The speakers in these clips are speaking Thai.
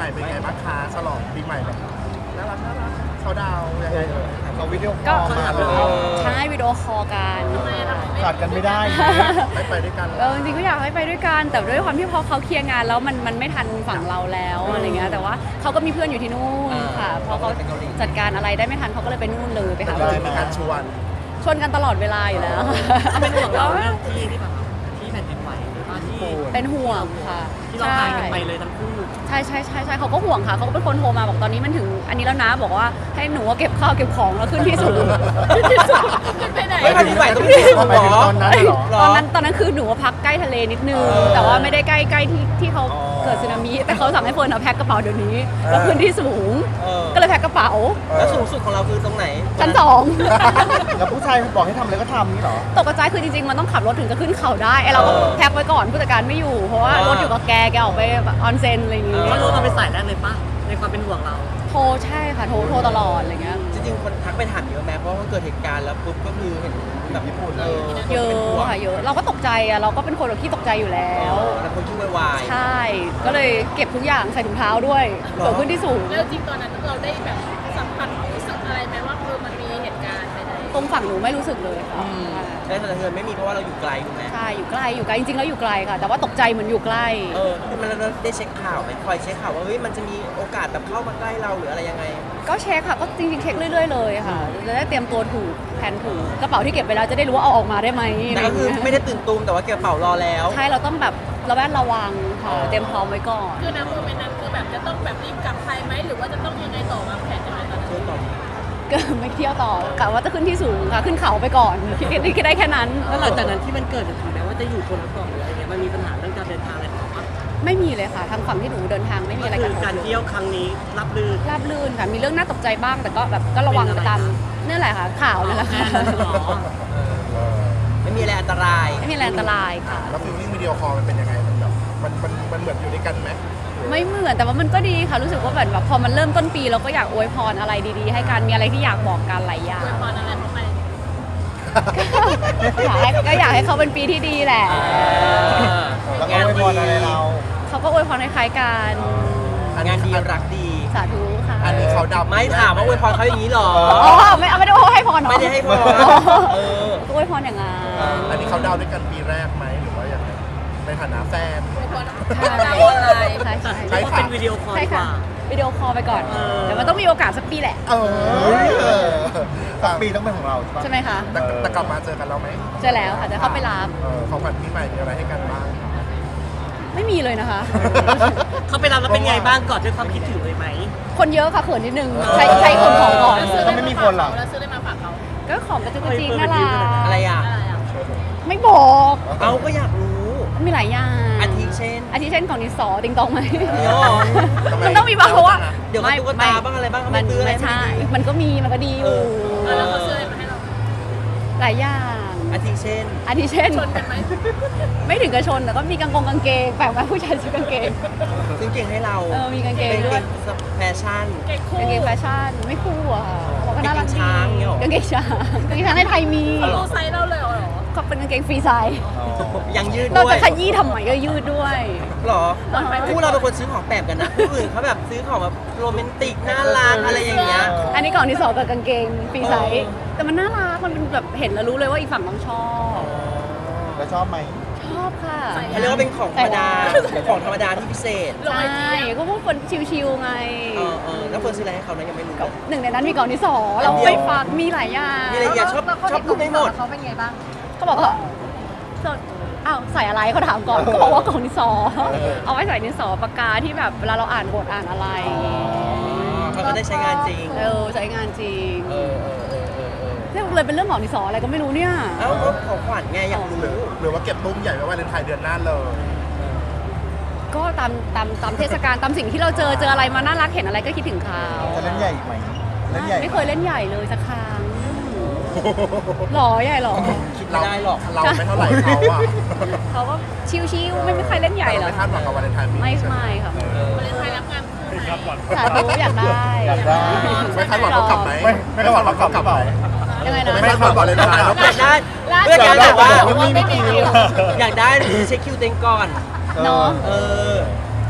เป็นไงบ้างคะฉลองปีใหม่แบบน่ารักเขาดาวยังไงเราวิดีโอคก็อลมาเลยใช่วิดีโอคอลกันขาดกันไม่ได้ไม่ไปด้วยกันจริงๆก็อยากให้ไปด้วยกันแต่ด้วยความที่พอเขาเคลียร์งานแล้วมันไม่ทันฝั่งเราแล้วอะไรเงี้ยแต่ว่าเขาก็มีเพื่อนอยู่ที่นู่นค่ะพอเขาจัดการอะไรได้ไม่ทันเขาก็เลยไปนู่นเลยไปหาเราเพื่อจะนมีการชวนชวนกันตลอดเวลาอยู่แล้วเป็นห่วงเราเรื่องที่แบบที่แผ่นดินไหวหรือว่าที่เป็นห่วงค่ะที่เราหายกันไปเลยทั้งคู่ใช่เขาก็ห่วงค่ะเขาก็เป็นคนโทรมาบอกตอนนี้มันถึงอันนี้แล้วนะบอกว่าให้หนูเก็บข้าวเก็บของแล้วขึ้นที่สูงขึ้นที่สูงไปไหนไม่แผ่นดินไหวต้องมีสูงเหรอตอนนั้นเหรอตอนนั้นคือหนูพักใกล้ทะเลนิดนึงแต่ว่าไม่ได้ใกล้ที่เขาเกิดสึนามิแต่เขาสั่งให้เฟิร์นเอาแพ็คกระเป๋าเดี๋ยวนี้แล้วขึ้นที่สูง ก็เลยแพ็คกระเป๋าแล้วสูงสุดของเราคือตรงไหนชั้นสองแล้วผู้ชายบอกให้ทำอะไรก็ทำนี่เหรอตกกระจายคือจริงๆมันต้องขับรถถึงจะขึ้นเขาได้ไอเราก็แพ็คไว้ก่อนผู้จัดการไม่อยู่เพราะว่ารถอยู่กับแกออกไปแบบออนเซ็นอะไรอย่างงี้เขารู้กันเป็นสายแรกเลยปะในความเป็นห่วงเราโทรใช่ค่ะโทรตลอดอะไรเงี้ยจริงๆคนทักไปถามเยอะไหมเพราะว่าเกิดเหตุการณ์แล้วปุ๊บก็คือเห็นแบบญี่ปุ่นเลยเยอะค่ะเยอะเราก็ตกใจอะเราก็เป็นคนแบบที่ตกใจอยู่แล้วแล้วคนชื่อวายใช่ ก็เลยเก็บทุกอย่างใส่ถุงเท้าด้วยเกิดขึ้นที่สูงแล้วจริงตอนนั้นเราได้แบบสัมผัสรู้สึกอะไรไหมว่ามันมีเหตุการณ์ใดตรงฝั่งหนูไม่รู้สึกเลยค่ะได้สะเทือนไม่มีเพราะว่าเราอยู่ไกลถูกไหมใช่อยู่ใกล้จริงๆแล้วอยู่ไกลค่ะ แต่ว่าตกใจเหมือนอยู่ใกล้คือมันเราได้เช็คข่าวไหมคอยเช็คข่าวว่าเฮ้ยมันจะมีโอกาสแบบเข้ามาใกล้เราหรืออะไรยังไงก็เช็คค่ะก็จริงๆเช็คเรื่อยๆเลยค่ะจะได้เตรียมตัวถูกแผนถูกกระเป๋าที่เก็บไปแล้วจะได้รู้ว่าเอาออกมาได้ไหมแต่ก็คือไม่ได้ตื่นตูมแต่ว่าเก็บกระเป๋ารอแล้วใช่เราต้องแบบระแวดระวังค่ะเตรียมพร้อมไว้ก่อนๆคือณโมเมนต์นั้นคือแบบจะต้องแบบรีบกลับไทยไหมหรือว่าจะต้องยังไงต่อวางแผนยังไงตอนนั้นช่วยตอบก็ไม่เที่ยวต่อกะว่าจะขึ้นที่สูงค่ะขึ้นเขาไปก่อนคิดได้แค่นั้นแล้วหลังจากนั้นที่มันเกิดถึงแม้ว่าจะอยู่คนละเกาะหรืออะไรเงี้ยมันมีปัญหาเรื่องการเดินทางอะไรของเราปะไม่มีเลยค่ะทางฝั่งที่หนูเดินทางไม่มีอะไรคืกันอการเที่ยวครั้งนี้รับลื่นราบรื่นค่ะมีเรื่องน่าตกใจบ้างแต่ก็แบบก็ระวังไปตามนี่แหละค่ะข่าวนั่นแหละค่ะไม่มีอะไรอันตรายไม่มีอะไรอันตรายค่ะแล้วฟิลลิ่งวิดีโอคอลมันเป็นยังไงมันแบบมันเหมือนอยู่ด้วยกันไหมไม่เหมือนแต่ว่ามันก็ดีค่ะรู้สึกว่าแบบพอมันเริ่มต้นปีเราก็อยากอวยพรอะไรดีๆ ให้กันมีอะไรที่อยากบอกกันหลายอย่างอวยพรอะไรเข้าไปก็อยากให้เขาเป็นปีที่ดีแหละแล้วก็ไม่พออะไรเราเขาก็อวยพรคล้ายๆกันงานดีรักดีสาธุค่ะอันนี้เขาดับไม่ถามว่าอวยพรเขาอย่างนี้หรออ๋อไม่ได้ให้พรเนาะไม่ได้ให้พรเออก็อวยพรอย่างงั้นอันนี้เขาดาวด้วยกันปีแรกไหมหรือว่าอย่างไรในฐานะแฟนอวยพรใช่ดาวออนไลน์ใช่เรียกว่าเป็นวิดีโอคอลใช่ดีกค่ะว่าวิดีโอคอลไปก่อนเดี๋ยวมันต้องมีโอกาสสักปีแหละสักปีต้องเป็นของเราใช่ไหมคะแต่กลับมาเจอกันแล้วไหมเจอแล้วค่ะจะเข้าไปรับของขวัญปีใหม่มีอะไรให้กันบ้างไม่มีเลยนะคะเขาไปรับแล้วเป็นไงบ้างก่อนด้วยความคิดถึงเลยไหมคนเยอะค่ะเขินนิดนึงใช้คนของก่อนแล้วซื้ออะไรมาฝากเขาแล้วซื้ออะไรมาฝากเขาก็ของกระจุกกระจิกน่ารักอะไรอ่ะอะไรอ่ะไม่บอกเอาก็อยากรู้มีหลายอย่างอาทิเช่นอาทิเช่นของดินสอติงตองไหมเดี๋ยวมันต้องมีบ้างเพราะว่าเดี๋ยวก็ตุ๊กตาบ้างอะไรบ้างเขามัไม่นซื้ออะไรไม่ใช่ให้ดีมันก็ดีอยู่แล้วเขาซื้ออะไรมาให้เราหลายอย่างอาทิเช่นอาทิเช่นชนกันไหมไม่ถึงกระชนแต่ก็มีกางเกงแปลกไหมผู้ชายซื้อกางเกงซึ่งเก่งให้เรามีกางเกงเป็นด้วยแฟชั่นเก่งคู่กางเกงแฟชั่นไม่คู่อะค่ะเขาก็น่ารักดีกางเกงช้างเนี่ยหรอกางเกงช้างกางเกงช้างในไทยมีเขารู้ไซส์เราเลยเหรอเขาเป็นกางเกงฟรีไซส์ยังยืดเราด้วยจะขยี้ทำไมก็ยืดด้วยหรอคู่เราเป็นคนซื้อของแปลกกันนะคู่อื่นเขาแบบซื้อของแบบโรแมนติกน่ารักอะไรอย่างเงี้ยอันนี้ก่อนที่สองกับกางเกงฟรีไซส์เออแต่มันน่ารักมันเป็นแบบเห็นแล้วรู้เลยว่าอีกฝั่งต้องชอบแล้วชอบไหมชอบค่ะเขาเรียกว่าเป็นของธรรมดาของธรรมดาที่พิเศษใช่ก็พวกคนชิวๆไงแล้วเฟิร์นซื้ออะไรให้เขานะยังไม่รู้เลยหนึ่งในนั้นมีก่อนที่สองเราไม่ฟังมีหลายอย่างมีอะไรอย่าชอบพูดไม่หมดเขาเป็นไงบ้างเขาบอกว่าอ้าวใส่อะไรเขาถามก่อนก็บอกว่ากล่องดินสอเอาไว้ใส่ดินสอปากกาที่แบบเวลาเราอ่านบทอ่านอะไรเขาก็ได้ใช้งานจริงใช้งานจริงเออเนี่ยเลยเป็นเรื่องของดินสออะไรก็ไม่รู้เนี่ยเอ้าก็ของขวัญไงอยากรู้หรือว่าเก็บตุ้มใหญ่ไว้วาเลนไทน์เดือนหน้าเลยก็ตามเทศกาลตามสิ่งที่เราเจออะไรมาน่ารักเห็นอะไรก็คิดถึงเขาจะเล่นใหญ่ไหมเล่นใหญ่ไม่เคยเล่นใหญ่เลยสักครั้งหรอใหญ่หรอคิดไม่ได้หรอกเราไม่เท่าไหร่เขาอะเขาก็ชิวๆไม่มีใครเล่นใหญ่หรเราอไม่คาดหวังกับวาเลนไทน์ปีไม่นี้ใช่ไหมไม่ค่ะวาเลนไทน์รับงานคู่ไหมสาธุอยากได้อยากได้ไม่คาดหวังเขากลับไหมไม่คาดหวังเขากลับไหมยังไงนะไม่คาดหวังวาเลนไทน์แล้วอยากได้ล่าสุดเพื่อนอยากแบบว่าไม่มีคิวอยากได้เช็คคิวเต็งก่อนเนาะเออเนี่ย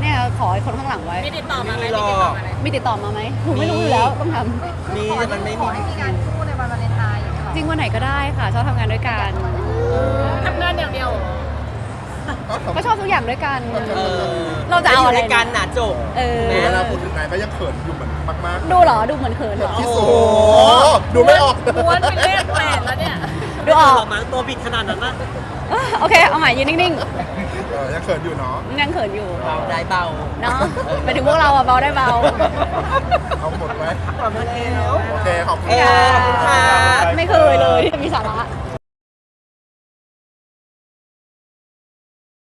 ไงขอไอ้คนข้างหลังไว้ไม่ติดต่อมาไหมไม่ไม่มีติดหรต่ออก มาไหมมีติดต่อมาไหมหนูไม่รู้อยู่แล้วต้องทมีแต่มันไม่มีำจริงวันไหนก็ได้ค่ะชอบทำงานด้วยกันทำงานอย่างเดียวเหรอก็ชอบทุกอย่างด้วยกันเออเราจะเอาอะไรยู่ในกันน่ะจบเออเวลาพูดถึงนายก็ยังเขินอยู่เหมือนมากดูเหรอดูเหมือนเขินเหรอๆที่สุดดูไม่ออกม้วนเป็นเลขแปดแล้วเนี่ยดูออกหมั้งตัวบิดขนาดนั้นนะโอเคเอาใหม่ยืนนิ่งยังเขินอยู่เนาะๆยังเขินอยู่เบาได้เบาเนาะไปถึงพวกเราอะเบาได้เบาเอาหมดไหมขอบคุณแล้วโอเคขอบคุณเออขอบคุณค่ะไม่เคยเลยที่จะมีสาระโอ